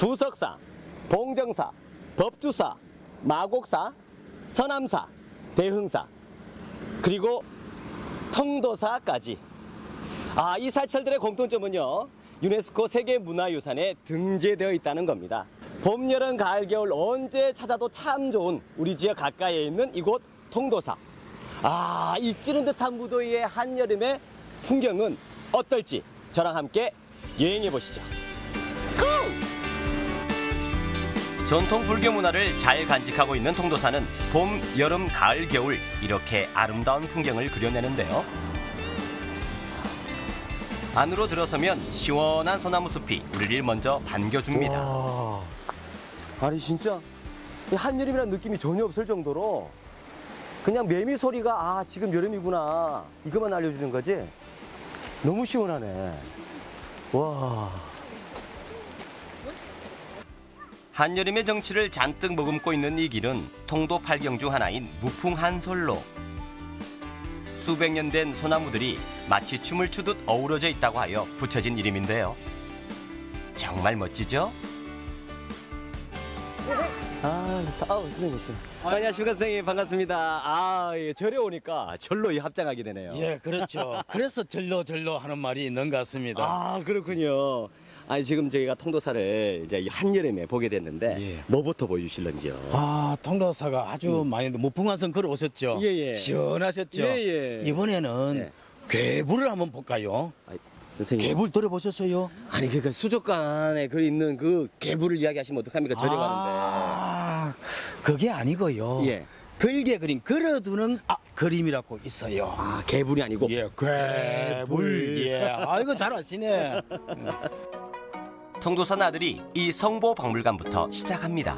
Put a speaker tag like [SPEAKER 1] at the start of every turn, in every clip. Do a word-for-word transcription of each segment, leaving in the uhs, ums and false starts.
[SPEAKER 1] 부석사, 봉정사, 법주사, 마곡사, 서남사, 대흥사, 그리고 통도사까지. 아, 이 사찰들의 공통점은요, 유네스코 세계문화유산에 등재되어 있다는 겁니다. 봄, 여름, 가을, 겨울 언제 찾아도 참 좋은 우리 지역 가까이에 있는 이곳 통도사. 아, 이 찌는 듯한 무더위의 한여름의 풍경은 어떨지 저랑 함께 여행해 보시죠. 고! 전통 불교 문화를 잘 간직하고 있는 통도사는 봄, 여름, 가을, 겨울 이렇게 아름다운 풍경을 그려내는데요. 안으로 들어서면 시원한 소나무 숲이 우리를 먼저 반겨줍니다. 와, 아니 진짜 한여름이라는 느낌이 전혀 없을 정도로 그냥 매미 소리가 아 지금 여름이구나 이것만 알려주는 거지. 너무 시원하네. 와. 한여름의 정취를 잔뜩 머금고 있는 이 길은 통도 팔경 중 하나인 무풍한솔로. 수백 년 된 소나무들이 마치 춤을 추듯 어우러져 있다고 하여 붙여진 이름인데요. 정말 멋지죠? 아, 아우 선생님. 아, 안녕하십니까 선생님, 반갑습니다. 아, 예, 절에 오니까 절로 합장하게 되네요.
[SPEAKER 2] 예, 그렇죠. 그래서 절로 절로 하는 말이 있는 것 같습니다.
[SPEAKER 1] 아, 그렇군요. 아니 지금 저희가 통도사를 이제 한여름에 보게 됐는데
[SPEAKER 2] 예.
[SPEAKER 1] 뭐부터 보여주실런지요?
[SPEAKER 2] 아, 통도사가 아주 음. 많이 무풍한선 걸어오셨죠.
[SPEAKER 1] 예, 예.
[SPEAKER 2] 시원하셨죠.
[SPEAKER 1] 예, 예.
[SPEAKER 2] 이번에는
[SPEAKER 1] 예.
[SPEAKER 2] 괴물을 한번 볼까요?
[SPEAKER 1] 아이, 선생님.
[SPEAKER 2] 괴물 들어보셨어요?
[SPEAKER 1] 아니 그러니까 수족관에 그 있는 그 괴물을 이야기하시면 어떡합니까? 절에
[SPEAKER 2] 아, 그게 아니고요.
[SPEAKER 1] 가는데. 예.
[SPEAKER 2] 걸개 그림 걸어두는 아, 그림이라고 있어요.
[SPEAKER 1] 아, 괴물이 아니고.
[SPEAKER 2] 예, 괴물. 예. 아, 이거 잘 아시네.
[SPEAKER 1] 통도사 나들이 이 성보박물관부터 시작합니다.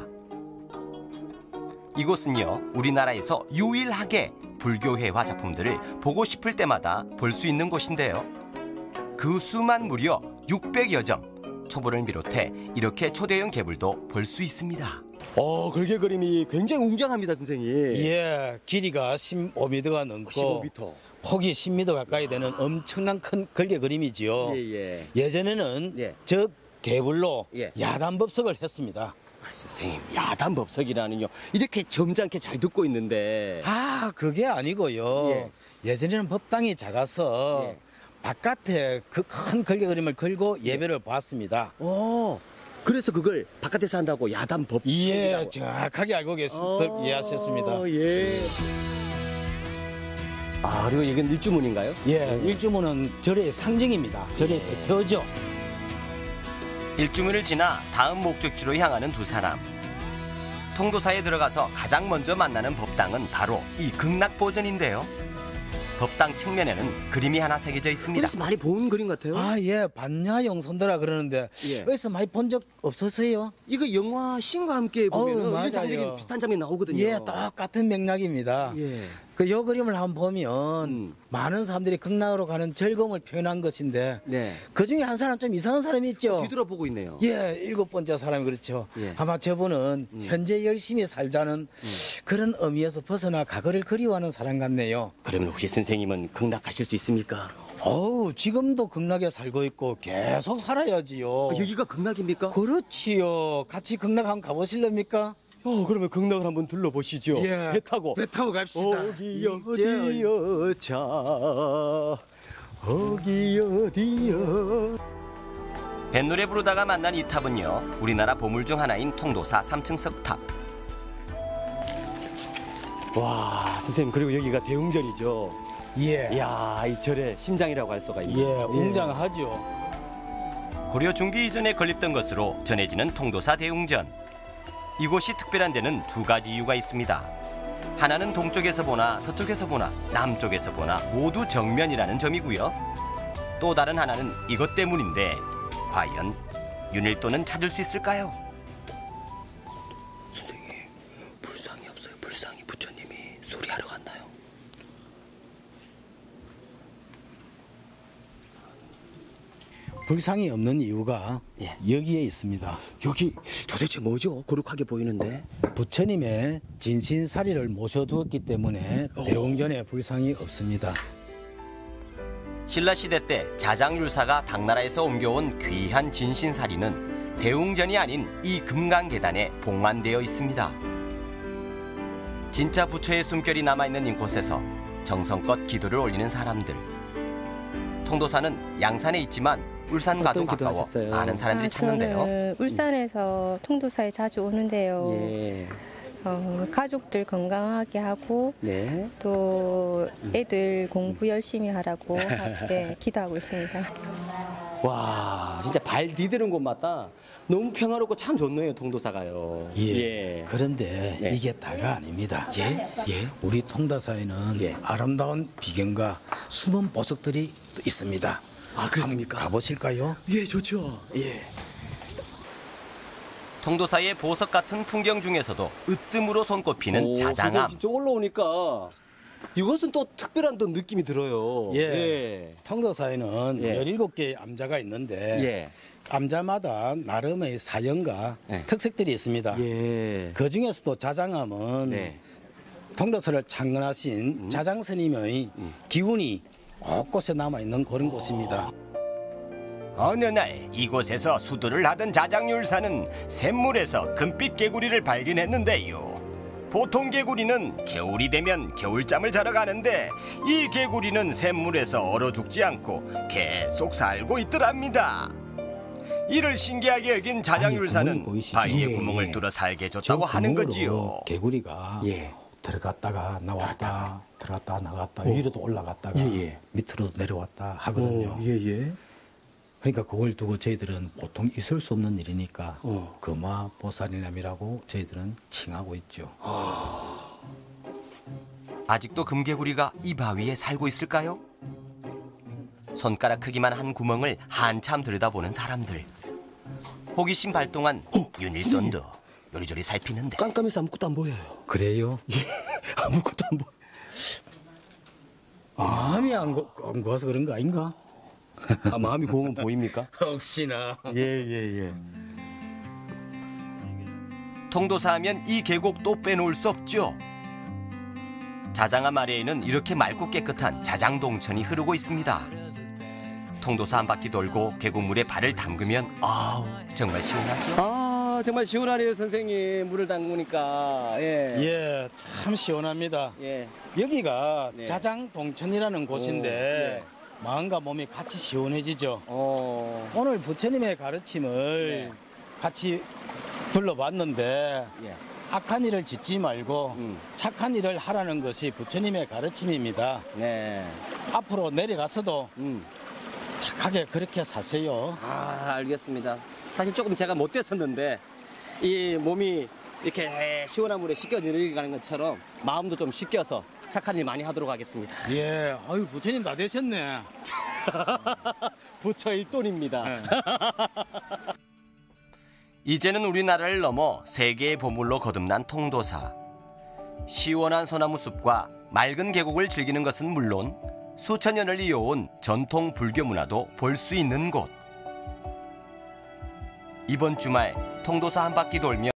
[SPEAKER 1] 이곳은요, 우리나라에서 유일하게 불교회화 작품들을 보고 싶을 때마다 볼 수 있는 곳인데요. 그 수만 무려 육백여 점, 초보를 비롯해 이렇게 초대형 괴물도 볼 수 있습니다. 어, 걸개 그림이 굉장히 웅장합니다, 선생님.
[SPEAKER 2] 예, 길이가 십오 미터가 넘고
[SPEAKER 1] 십오 미터.
[SPEAKER 2] 폭이 십 미터 가까이 되는 엄청난 큰 걸개 그림이지요.
[SPEAKER 1] 예, 예.
[SPEAKER 2] 예전에는
[SPEAKER 1] 예.
[SPEAKER 2] 저 괴물로
[SPEAKER 1] 예.
[SPEAKER 2] 야단법석을 했습니다.
[SPEAKER 1] 아, 선생님, 야단법석이라는요. 이렇게 점잖게 잘 듣고 있는데.
[SPEAKER 2] 아, 그게 아니고요.
[SPEAKER 1] 예.
[SPEAKER 2] 예전에는 법당이 작아서
[SPEAKER 1] 예.
[SPEAKER 2] 바깥에 그 큰 걸개 그림을 걸고 예배를 보았습니다.
[SPEAKER 1] 오, 그래서 그걸 바깥에서 한다고 야단법석이라고.
[SPEAKER 2] 예, 정확하게 알고 계시,
[SPEAKER 1] 어,
[SPEAKER 2] 이해하셨습니다.
[SPEAKER 1] 예. 아, 그리고 이건 일주문인가요?
[SPEAKER 2] 예, 일주문은 절의 상징입니다. 절의
[SPEAKER 1] 예.
[SPEAKER 2] 대표죠.
[SPEAKER 1] 일주문을 지나 다음 목적지로 향하는 두 사람. 통도사에 들어가서 가장 먼저 만나는 법당은 바로 이 극락보전인데요. 법당 측면에는 그림이 하나 새겨져 있습니다. 어디서 많이 본 그림 같아요?
[SPEAKER 2] 아, 예, 반야영손도라 그러는데
[SPEAKER 1] 예.
[SPEAKER 2] 어디서 많이 본 적 없으세요?
[SPEAKER 1] 이거 영화 신과 함께 보면
[SPEAKER 2] 어우,
[SPEAKER 1] 이런 장면이
[SPEAKER 2] 맞아요.
[SPEAKER 1] 비슷한 장면이 나오거든요.
[SPEAKER 2] 예, 똑같은 맥락입니다.
[SPEAKER 1] 예.
[SPEAKER 2] 그 요 그림을 한번 보면
[SPEAKER 1] 음.
[SPEAKER 2] 많은 사람들이 극락으로 가는 즐거움을 표현한 것인데
[SPEAKER 1] 네.
[SPEAKER 2] 그 중에 한 사람 좀 이상한 사람이 있죠.
[SPEAKER 1] 뒤돌아보고 있네요.
[SPEAKER 2] 예, 일곱 번째 사람이 그렇죠.
[SPEAKER 1] 예.
[SPEAKER 2] 아마 저분은
[SPEAKER 1] 음.
[SPEAKER 2] 현재 열심히 살자는
[SPEAKER 1] 음.
[SPEAKER 2] 그런 의미에서 벗어나 과거를 그리워하는 사람 같네요.
[SPEAKER 1] 그러면 혹시 선생님은 극락 가실 수 있습니까?
[SPEAKER 2] 어우, 지금도 극락에 살고 있고 계속 살아야지요.
[SPEAKER 1] 아, 여기가 극락입니까?
[SPEAKER 2] 그렇지요. 같이 극락 한번 가보실랍니까?
[SPEAKER 1] 어, 그러면 극락을 한번 둘러보시죠.
[SPEAKER 2] 예.
[SPEAKER 1] 배 타고.
[SPEAKER 2] 배 타고 갑시다.
[SPEAKER 1] 어기 어디여 자 어기 어디여. 뱃노래 부르다가 만난 이 탑은요, 우리나라 보물 중 하나인 통도사 삼 층 석탑. 와, 선생님, 그리고 여기가 대웅전이죠.
[SPEAKER 2] 예.
[SPEAKER 1] 이야, 이 절의 심장이라고 할 수가 있네요.
[SPEAKER 2] 예, 웅장하죠.
[SPEAKER 1] 고려 중기 이전에 건립된 것으로 전해지는 통도사 대웅전. 이곳이 특별한 데는 두 가지 이유가 있습니다. 하나는 동쪽에서 보나 서쪽에서 보나 남쪽에서 보나 모두 정면이라는 점이고요. 또 다른 하나는 이것 때문인데 과연 윤일도는 찾을 수 있을까요? 선생님, 불상이 없어요. 불상이. 부처님이 수리하러 갔나요?
[SPEAKER 2] 불상이 없는 이유가
[SPEAKER 1] 예.
[SPEAKER 2] 여기에 있습니다.
[SPEAKER 1] 여기 도대체 뭐죠? 거룩하게 보이는데.
[SPEAKER 2] 부처님의 진신사리를 모셔두었기 때문에 대웅전에 불상이 없습니다.
[SPEAKER 1] 신라시대 때 자장율사가 당나라에서 옮겨온 귀한 진신사리는 대웅전이 아닌 이 금강계단에 봉안되어 있습니다. 진짜 부처의 숨결이 남아있는 이곳에서 정성껏 기도를 올리는 사람들. 통도사는 양산에 있지만 울산과도 가까워
[SPEAKER 3] 기도하셨어요?
[SPEAKER 1] 많은 사람들이
[SPEAKER 4] 아,
[SPEAKER 1] 찾는데요.
[SPEAKER 4] 저는 울산에서 통도사에 자주 오는데요.
[SPEAKER 3] 예.
[SPEAKER 4] 어, 가족들 건강하게 하고
[SPEAKER 3] 네.
[SPEAKER 4] 또 애들 공부 열심히 하라고 하- 네, 기도하고 있습니다.
[SPEAKER 3] 와, 진짜 발 디디는 곳마다 너무 평화롭고 참 좋네요, 통도사가요.
[SPEAKER 2] 예. 그런데
[SPEAKER 3] 네.
[SPEAKER 2] 이게 다가 아닙니다.
[SPEAKER 3] 예? 예?
[SPEAKER 2] 우리 통도사에는
[SPEAKER 3] 예.
[SPEAKER 2] 아름다운 비경과 숨은 보석들이 있습니다.
[SPEAKER 3] 아, 그렇습니까?
[SPEAKER 2] 한번 가보실까요?
[SPEAKER 3] 예, 좋죠. 예.
[SPEAKER 1] 통도사의 보석 같은 풍경 중에서도 으뜸으로 손꼽히는
[SPEAKER 3] 오,
[SPEAKER 1] 자장암.
[SPEAKER 3] 선생님, 진짜 올라오니까 이것은 또 특별한 또 느낌이 들어요.
[SPEAKER 2] 예. 통도사에는
[SPEAKER 3] 예.
[SPEAKER 2] 열일곱 개의 암자가 있는데
[SPEAKER 3] 예.
[SPEAKER 2] 암자마다 나름의 사연과
[SPEAKER 3] 예.
[SPEAKER 2] 특색들이 있습니다.
[SPEAKER 3] 예.
[SPEAKER 2] 그 중에서도 자장암은
[SPEAKER 3] 네.
[SPEAKER 2] 통도사를 창건하신 자장스님의 기운이 곳곳에 남아있는 그런 곳입니다.
[SPEAKER 5] 어느 날 이곳에서 수도를 하던 자장률사는 샘물에서 금빛 개구리를 발견했는데요. 보통 개구리는 겨울이 되면 겨울잠을 자러 가는데 이 개구리는 샘물에서 얼어 죽지 않고 계속 살고 있더랍니다. 이를 신기하게 여긴
[SPEAKER 2] 아니,
[SPEAKER 5] 자장률사는
[SPEAKER 2] 구멍이 보이시죠?
[SPEAKER 5] 바위에
[SPEAKER 2] 예,
[SPEAKER 5] 구멍을
[SPEAKER 2] 예.
[SPEAKER 5] 뚫어 살게
[SPEAKER 2] 저
[SPEAKER 5] 해줬다고 하는
[SPEAKER 2] 구멍으로
[SPEAKER 5] 거지요.
[SPEAKER 2] 개구리가
[SPEAKER 3] 예.
[SPEAKER 2] 들어갔다가 나왔다, 들어갔다 나갔다, 위로도 올라갔다가
[SPEAKER 3] 예, 예.
[SPEAKER 2] 밑으로 내려왔다 하거든요.
[SPEAKER 3] 예, 예.
[SPEAKER 2] 그러니까 그걸 두고 저희들은 보통 있을 수 없는 일이니까
[SPEAKER 3] 어.
[SPEAKER 2] 금화보살이남이라고 저희들은 칭하고 있죠.
[SPEAKER 1] 아직도 금개구리가 이 바위에 살고 있을까요? 손가락 크기만 한 구멍을 한참 들여다보는 사람들. 호기심 발동한 윤일돈도 요리조리 살피는데
[SPEAKER 3] 깜깜해서 아무것도 안 보여요.
[SPEAKER 2] 그래요?
[SPEAKER 3] 아무것도 안 보여.
[SPEAKER 2] 마음이 안, 고, 안 고와서 그런 거 아닌가?
[SPEAKER 3] 아, 마음이 고우면 보입니까?
[SPEAKER 2] 혹시나.
[SPEAKER 3] 예, 예, 예.
[SPEAKER 1] 통도사 하면 이 계곡도 빼놓을 수 없죠. 자장암 아래에는 이렇게 맑고 깨끗한 자장동천이 흐르고 있습니다. 통도사 한 바퀴 돌고 계곡물에 발을 담그면 아우 정말 시원하죠.
[SPEAKER 3] 아, 정말 시원하네요, 선생님. 물을 담그니까. 예.
[SPEAKER 2] 예, 참 시원합니다.
[SPEAKER 3] 예.
[SPEAKER 2] 여기가
[SPEAKER 3] 네.
[SPEAKER 2] 자장동천이라는 곳인데 마음과 몸이 같이 시원해지죠.
[SPEAKER 3] 어.
[SPEAKER 2] 오늘 부처님의 가르침을
[SPEAKER 3] 네.
[SPEAKER 2] 같이 둘러봤는데
[SPEAKER 3] 예.
[SPEAKER 2] 악한 일을 짓지 말고
[SPEAKER 3] 음.
[SPEAKER 2] 착한 일을 하라는 것이 부처님의 가르침입니다.
[SPEAKER 3] 네.
[SPEAKER 2] 앞으로 내려가서도
[SPEAKER 3] 음.
[SPEAKER 2] 착하게 그렇게 사세요.
[SPEAKER 3] 아, 알겠습니다. 사실 조금 제가 못 됐었는데 이 몸이 이렇게 시원한 물에 씻겨 내려가는 것처럼 마음도 좀 씻겨서 착한 일 많이 하도록 하겠습니다.
[SPEAKER 2] 예, 아유 부처님 다 되셨네.
[SPEAKER 3] 부처 일돈입니다.
[SPEAKER 2] 네.
[SPEAKER 1] 이제는 우리나라를 넘어 세계의 보물로 거듭난 통도사. 시원한 소나무 숲과 맑은 계곡을 즐기는 것은 물론 수천 년을 이어온 전통 불교 문화도 볼 수 있는 곳. 이번 주말 통도사 한 바퀴 돌며